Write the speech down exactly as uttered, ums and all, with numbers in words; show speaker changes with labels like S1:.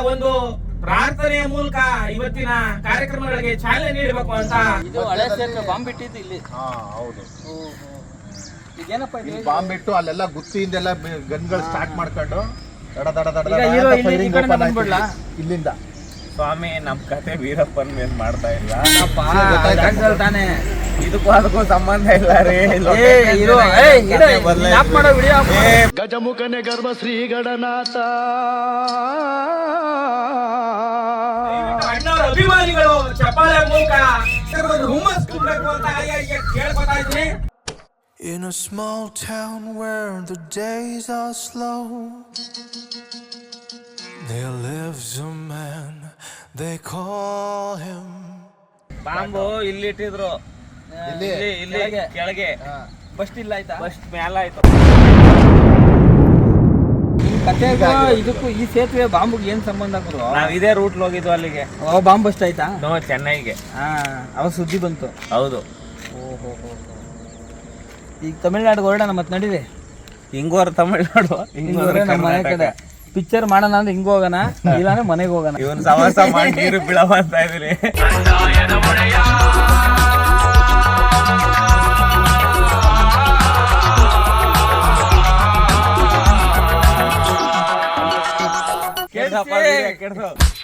S1: ಒಂದು ಪ್ರಾರ್ಥನೆಯ ಮೂಲಕ ಇವತ್ತಿನ ಕಾರ್ಯಕ್ರಮಗಳಿಗೆ ಚಾಲನೆ ನೀಡಬೇಕು ಅಂತ.
S2: ಇದು ಹಳೆ ಸೇತುವೆ ಬಾಂಬ್ ಬಿಟ್ಟಿದ್ದು ಇಲ್ಲಿ.
S3: ಹಾ ಹೌದು.
S2: ಇದೇನಪ್ಪ ಇದು?
S3: ಬಾಂಬ್ ಬಿಟ್ಟು ಅಲ್ಲೆಲ್ಲ ಗುತ್ತಿಯಿಂದೆಲ್ಲ ಗನ್ಗಳು ಸ್ಟಾರ್ಟ್ ಮಾಡ್ಕೊಂಡು ದಡ ದಡ ದಡ
S2: ಈಗ ಹೀರೋ ಇಲ್ಲಿ ಈ ಕಡೆ ಬಂದ್ಬಿಡ್ಲಾ?
S3: ಇಲ್ಲಿಂದ
S4: ಸ್ವಾಮಿ ನಮ್ ಕತೆ ವೀರಪ್ಪನ್ ಮೇಲ್ ಮಾಡ್ತಾ ಇಲ್ಲ
S2: ತಾನೆ.
S4: ಇದಕ್ಕೂ ಅದಕ್ಕೂ ಸಂಬಂಧ ಇಲ್ಲ ರೀ.
S5: ಗಜಮುಖನೆ ಗರ್ಭ ಶ್ರೀ ಗಣನಾಥ
S1: ಅಣ್ಣವರ ಅಭಿಮಾನಿಗಳು ಚಪ್ಪಾಳೆ ಮೂಲಕ ಹುಮ್ಮಸ್ ಕೊಡಬೇಕು ಅಂತ ಕೇಳ್ಕೊತಾ ಇದ್ದೀನಿ.
S6: In a small town where the days are slow, there lives a man, they call him.
S4: Bomb ಇಲ್ಲಿ ಇಟ್ಟಿದ್ರು,
S3: ಇಲ್ಲಿ
S4: ಇಲ್ಲಿ ಕೆಳಗೆ.
S2: ಫಸ್ಟ್ ಇಲ್ಲ ಆಯ್ತಾ?
S4: ಫಸ್ಟ್ ಮ್ಯಾಲ ಆಯ್ತು.
S2: ಈ ಕತೆಗೂ ಇದಕ್ಕೂ ಈ ಸೇತುವೆ ಬಾಂಬ್ಗೆ ಏನ್ ಸಂಬಂಧ ಗುರು?
S4: ನಾವ್ ಇದೇ ರೂಟ್ ಹೋಗಿದ್ವು ಅಲ್ಲಿಗೆ.
S2: ಅವ ಬಾಂಬ್ ಅಷ್ಟ ಆಯ್ತಾ?
S4: ನೋ ಚೆನ್ನೈಗೆ.
S2: ಹಾ, ಅವ ಸುದ್ದಿ ಬಂತು.
S4: ಹೌದು.
S2: ಓಹೋ. ಈಗ ತಮಿಳ್ನಾಡಿಗೆ ಹೊರಡೋಣ ಮತ್ತೆ ನಡೀರಿ.
S4: ಹಿಂಗೋರ್ ತಮಿಳ್ನಾಡು, ಹಿಂಗೋರ್
S2: ನಮ್ಮ ಮನೆ ಕಡೆ ಪಿಕ್ಚರ್ ಮಾಡೋಣ ಅಂದ್ರೆ ಹಿಂಗ ಹೋಗೋಣ, ಇಲ್ಲಾಂದ್ರೆ ಮನೆಗೆ ಹೋಗೋಣ.
S4: ಇವನ್ ಸವಾಸ ಮಾಡಿ ನೀರು ಬೀಳವ ಅಂತ ಇದೀನಿ. ಕೆಡ್ಸಪ್ಪ, ಕೆಡ್ಸು.